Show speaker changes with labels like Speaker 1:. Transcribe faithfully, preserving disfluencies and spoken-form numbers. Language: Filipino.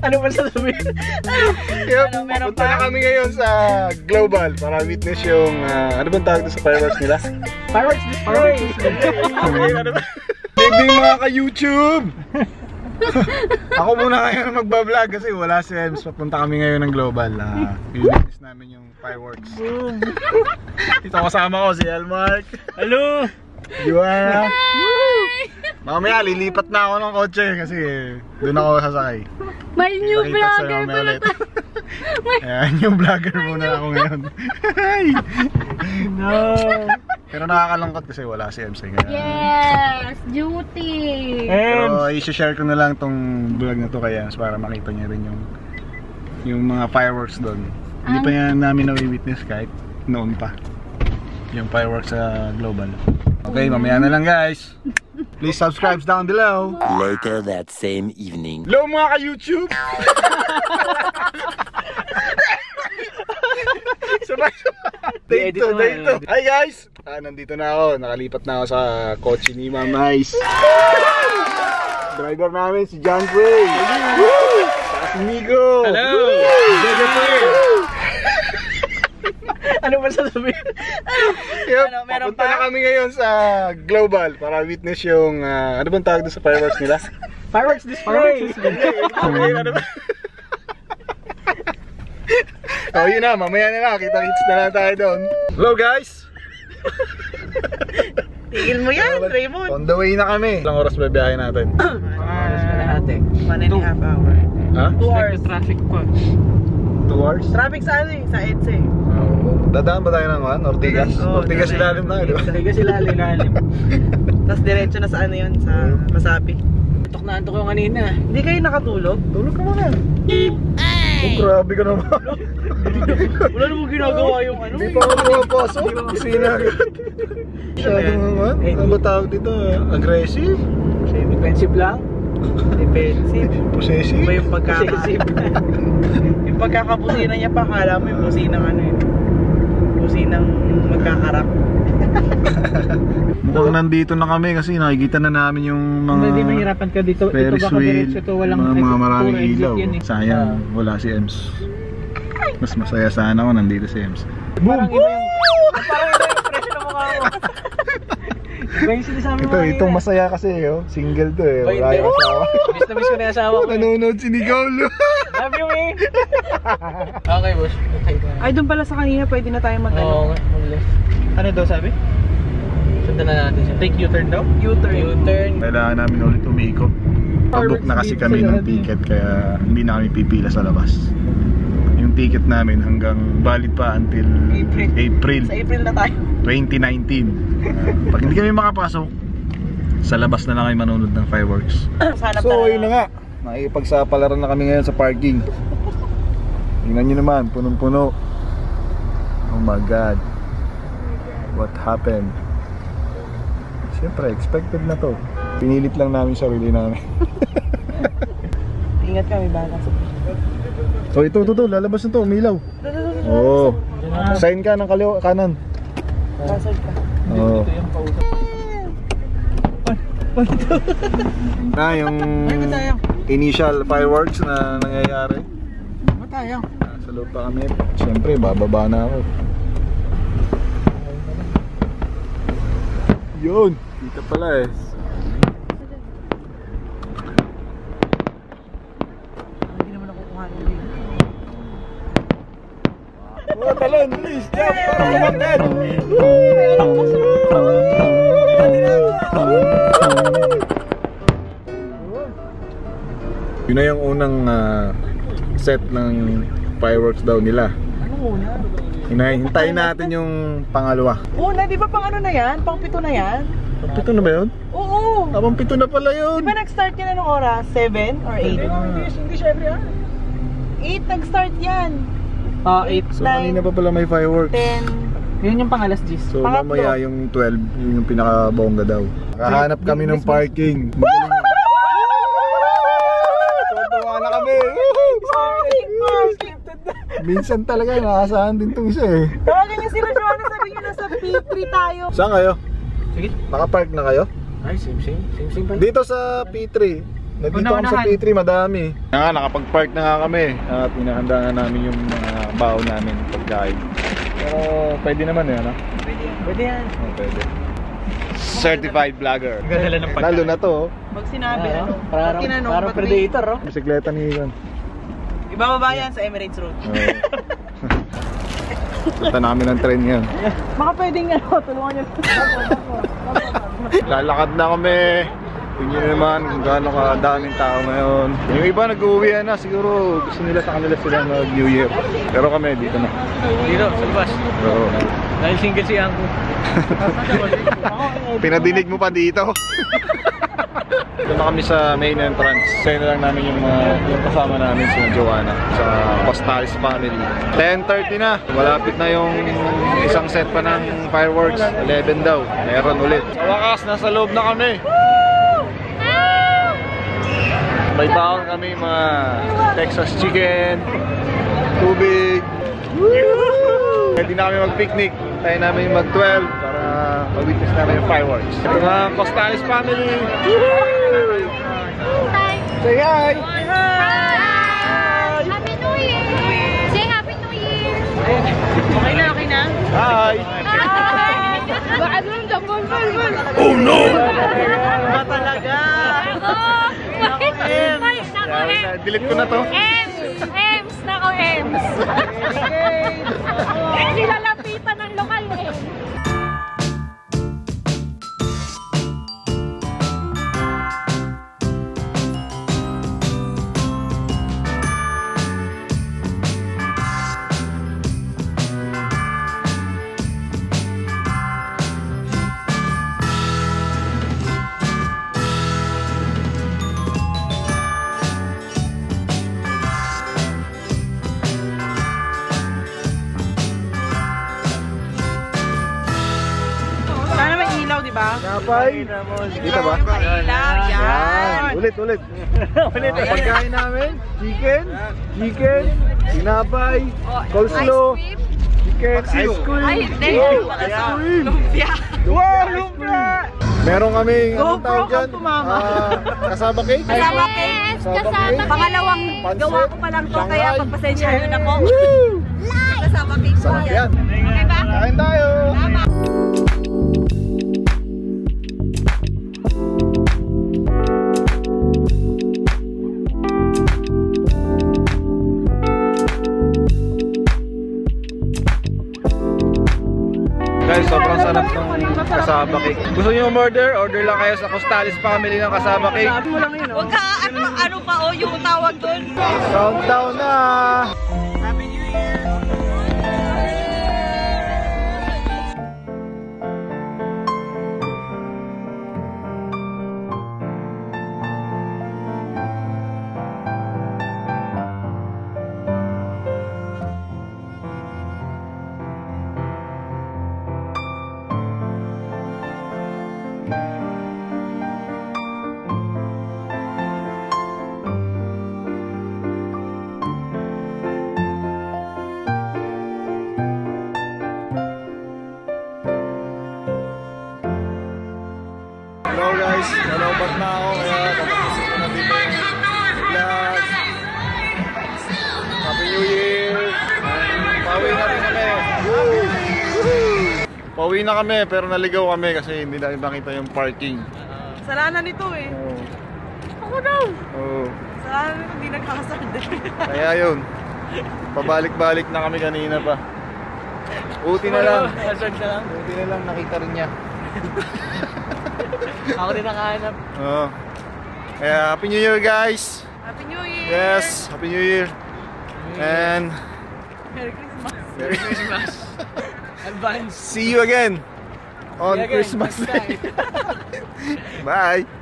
Speaker 1: Ano ba sasabihin?
Speaker 2: Kaya punta na kami ngayon sa Global para witness yung uh, ano bang tawag sa fireworks nila?
Speaker 1: Fireworks display!
Speaker 2: Baby mga ka-YouTube! Ako muna ngayon na magbablog kasi wala si Ems. Papunta kami ngayon ng Global. Uh, witness namin yung fireworks. Ito kasama ko si Elmark.
Speaker 1: Hello!
Speaker 2: Juana. Mamaya lilipat na ako ng kotse kasi doon ako sasakay.
Speaker 3: May new vlogger pala tayo.
Speaker 2: Ayan, new vlogger muna ako ngayon.
Speaker 1: No!
Speaker 2: Pero nakakalungkot kasi wala si M C ngayon.
Speaker 3: Yes! Duty!
Speaker 2: Pero i-share ko na lang tong vlog na to kaya para makita niya rin yung yung mga fireworks doon. Hindi pa yan namin na-witness kahit noon pa. Yung fireworks sa Global. Okay, mamaya na lang guys. Please subscribe down below.
Speaker 4: Later that same evening.
Speaker 2: Hello mga ka-YouTube! Sabay sabay! Dito, dito! Hi guys! Ah, nandito na ako. Nakalipat na ako sa kotse ni Ma'am Ice. Driver namin si John Frey. Saka si Migo.
Speaker 1: Hello! Ano ba sasabihin?
Speaker 2: Kaya ano, papunta na kami ngayon sa Global para witness yung uh, ano bang tawag sa fireworks nila?
Speaker 1: Fireworks display!
Speaker 2: Ano ba? Oh, yun na, mamaya na lang, kita-kits na lang tayo doon. Hello guys!
Speaker 5: Tigil mo yan, Raymond!
Speaker 2: On the way na kami. Ilang oras ba biyahe natin?
Speaker 1: Oras ka na ate.
Speaker 5: One and a half hour.
Speaker 2: Ha?
Speaker 5: Two hours.
Speaker 1: Traffic ko.
Speaker 2: Two hours?
Speaker 5: Traffic sa ano eh, sa E D S A.
Speaker 2: Dadaan ba tayo ng one? Ortigas?
Speaker 5: Oo,
Speaker 2: Ortigas ilalim tayo, di ba?
Speaker 1: Talaga sila lalim.
Speaker 5: Tapos diretso na sa ano yun, sa Masapi.
Speaker 1: Antok na antok ko kanina.
Speaker 5: Hindi kayo nakatulog?
Speaker 2: Tulog ka muna. Oh, grabe ka naman.
Speaker 5: Wala namang ginagawa yung ano.
Speaker 2: Hindi pa ako pumapasok. Kusina agad. Masyadong naman. Ano ba tawag dito? Aggressive?
Speaker 1: Defensive lang.
Speaker 5: Defensive.
Speaker 2: Possessive?
Speaker 5: Iba yung pagkaka... yung pagkakabusina niya pa, kala mo yung businang ano yun. Businang magkakarap.
Speaker 2: Mukhang nandito na kami kasi nakikita na namin yung mga
Speaker 1: Hindi mahirapan ka dito. Ito
Speaker 2: Ferris
Speaker 1: baka
Speaker 2: wheel,
Speaker 1: diretso to, walang
Speaker 2: mga, mga maraming
Speaker 1: exit
Speaker 2: ilaw.
Speaker 1: yan eh.
Speaker 2: Sayang, wala si Ems. Mas masaya sana ako nandito si Ems.
Speaker 1: Parang iba yung... Parang iba yung expression ng mukha mo. Iba yung sinasabi mo
Speaker 2: Ito,
Speaker 1: kanina.
Speaker 2: itong masaya kasi oh. Single to eh, wala yung asawa.
Speaker 1: Miss na miss ko na yung asawa ko.
Speaker 2: Nanonood si Nicole.
Speaker 1: Love you eh. Okay boss. Okay.
Speaker 5: Ay, doon pala sa kanina, pwede na tayo mag
Speaker 1: Oo nga, mag-left. Ano daw sabi? Sundan na natin siya. Take U-turn daw?
Speaker 5: U-turn.
Speaker 1: U-turn.
Speaker 2: Kailangan namin ulit umikot. Pabook na kasi kami ng ticket kaya hindi na kami pipila sa labas. Yung ticket namin hanggang valid pa until
Speaker 5: April.
Speaker 2: April
Speaker 5: Sa April na tayo.
Speaker 2: twenty nineteen. Uh, pag hindi kami makapasok, sa labas na lang kayo manonood ng fireworks.
Speaker 5: Hanap
Speaker 2: So
Speaker 5: na
Speaker 2: ayun na nga, nakipagsapalaran na kami ngayon sa parking. Tingnan nyo naman, punong-puno. Oh my god, what happened? Siyempre, expected na to. Pinilit lang namin sarili namin.
Speaker 5: Ingat kami, baka sa...
Speaker 2: So ito, ito, ito, lalabas na to, umilaw. Oo. Oh. Sign ka ng kaliwa, kanan.
Speaker 5: Pasal ka.
Speaker 2: Oo. Na yung initial fireworks na nangyayari.
Speaker 1: Matayang.
Speaker 2: Sa loob pa kami. Siyempre, bababa na ako. Yun, dito pala eh.
Speaker 5: Hindi naman ako kukuha nila.
Speaker 2: Oh, talon, please, jump! Para umandan! Yun na yung unang uh, set ng fireworks daw nila.
Speaker 5: Ano una?
Speaker 2: Hintayin natin yung pangalawa.
Speaker 5: Una, di ba pang ano na yan? Pang pito na yan?
Speaker 2: Pang pito na ba yun?
Speaker 5: Oo!
Speaker 2: Ah, pang pito na pala yun!
Speaker 5: Di ba nag-start yan anong oras? seven or eight?
Speaker 2: Hindi,
Speaker 5: hindi siya every hour. eight nag-start yan.
Speaker 1: Ah, eight.
Speaker 2: So kanina pa pala may fireworks.
Speaker 5: ten.
Speaker 1: Yun yung pangalas G's.
Speaker 2: So
Speaker 5: Pangatlo.
Speaker 2: mamaya yung twelve, yun yung pinaka-bongga daw. Nakahanap kami ng parking. Magaling. Tuwa na kami.
Speaker 5: Parking! Parking!
Speaker 2: Minsan talaga nakaasahan din itong isa eh.
Speaker 5: Tawagan niyo sila Joanna, sabi niyo nasa P three tayo.
Speaker 2: Saan kayo?
Speaker 1: Sige.
Speaker 2: Nakapark na kayo?
Speaker 1: Ay, same same. Same same pa.
Speaker 2: Dito sa P three. nandito kami sa
Speaker 1: Una-unahan.
Speaker 2: P three, madami. Nga, nakapag-park na nga kami at inahanda na namin yung mga baon namin pagkain. Pero pwede naman eh, ano?
Speaker 5: Pwede yan.
Speaker 1: Pwede yan.
Speaker 2: Oh, pwede. Certified vlogger.
Speaker 1: Gandala ng pagkain.
Speaker 2: Lalo na to, oh.
Speaker 5: Pag sinabi,
Speaker 1: Ah,
Speaker 5: ano,
Speaker 1: parang,
Speaker 5: pag tinanong,
Speaker 1: parang
Speaker 5: ba't may-
Speaker 1: predator, oh.
Speaker 2: Bisikleta ni Ivan.
Speaker 5: Ibababa yan sa Emirates Road.
Speaker 2: Oh. Punta namin ng train ngayon.
Speaker 1: Baka pwedeng ano, tulungan nyo.
Speaker 2: Lalakad na kami. Tingnan nyo naman kung gaano kadaming tao ngayon. Yung iba nag-uwi na, siguro gusto nila sa kanila sila mag New Year. Pero kami dito na.
Speaker 1: Dito, sa labas.
Speaker 2: Oo.
Speaker 1: Dahil single si Angko.
Speaker 2: Pinadinig mo pa dito. Ito na kami sa main entrance. Sa'yo na lang namin yung, uh, yung kasama namin si Joanna sa Costalis family. ten thirty na. Malapit na yung isang set pa ng fireworks. eleven daw. Meron ulit. Sa wakas, nasa loob na kami. May baon kami mga Texas chicken, tubig. Pwede na kami mag-picnic. Tayo namin mag-twelve para mag-witness namin yung fireworks. Ito na Costalis family.
Speaker 3: Hi!
Speaker 2: Say hi!
Speaker 3: Hi! Happy New Year! Say Happy New Year!
Speaker 5: Okay na, okay na?
Speaker 2: Hi!
Speaker 3: Hi! Baka doon ka, bol, bol, bol!
Speaker 2: Oh no!
Speaker 5: Ba talaga?
Speaker 3: Nako, Ems! Ay, nako, Ems!
Speaker 2: Delete ko na to.
Speaker 3: Ems! Ems! Nako, Ems! Nilalapitan ng lokal eh.
Speaker 5: Sana may ilaw, di ba?
Speaker 2: Napay. Dito ba?
Speaker 5: Ilaw, yan.
Speaker 2: Ulit, ulit. Ulit. Pagkain namin, chicken, chicken, sinapay, coleslaw, chicken, ice cream.
Speaker 3: Ay, hindi.
Speaker 2: Wow, ice cream.
Speaker 5: Lumpia.
Speaker 2: Wow, lumpia! Meron kami, anong
Speaker 5: GoPro
Speaker 2: tawag dyan?
Speaker 5: kang tumama.
Speaker 2: Ah, kasaba cake?
Speaker 3: Kasama cake.
Speaker 2: Kasama
Speaker 3: Kasama
Speaker 2: cake.
Speaker 3: cake.
Speaker 6: Pangalawang
Speaker 2: Pancit.
Speaker 6: gawa ko pa lang to, kaya
Speaker 2: Shanghai.
Speaker 6: pagpasensya nyo na ko.
Speaker 2: Woo!
Speaker 6: Kasama cake po
Speaker 2: Sarap
Speaker 6: yan.
Speaker 2: yan.
Speaker 3: Okay ba?
Speaker 2: Kain tayo! Guys, sobrang sarap ng kasaba cake. Gusto niyo umorder? Order lang kayo sa Costalis family ng kasaba cake.
Speaker 5: Sabi mo lang yun, oh.
Speaker 6: Huwag ka, ano, ano pa o, yung tawag doon.
Speaker 2: Countdown na!
Speaker 5: Happy New Year!
Speaker 2: Hello guys, nalobat na ako kaya katapusin ko na dito yung vlog. Happy New Year! Pauwi na rin kami. Pauwi na kami pero naligaw kami kasi hindi namin makita yung parking.
Speaker 5: Salanan nito eh.
Speaker 2: Oo.
Speaker 5: Ako daw.
Speaker 2: Oo.
Speaker 5: Salanan nito, hindi nagkakasal din.
Speaker 2: Kaya yun. Pabalik-balik na kami kanina pa. Buti na lang.
Speaker 1: Hazard na lang.
Speaker 2: Buti na lang nakita rin niya.
Speaker 1: Ako din nakahanap.
Speaker 2: Oo. Kaya Happy New Year guys!
Speaker 5: Happy New Year!
Speaker 2: Yes! Happy New Year! And
Speaker 5: Merry Christmas!
Speaker 2: Merry Christmas!
Speaker 1: Advance.
Speaker 2: See you again on
Speaker 1: See you again
Speaker 2: Christmas
Speaker 1: next
Speaker 2: Day!
Speaker 1: time.
Speaker 2: Bye!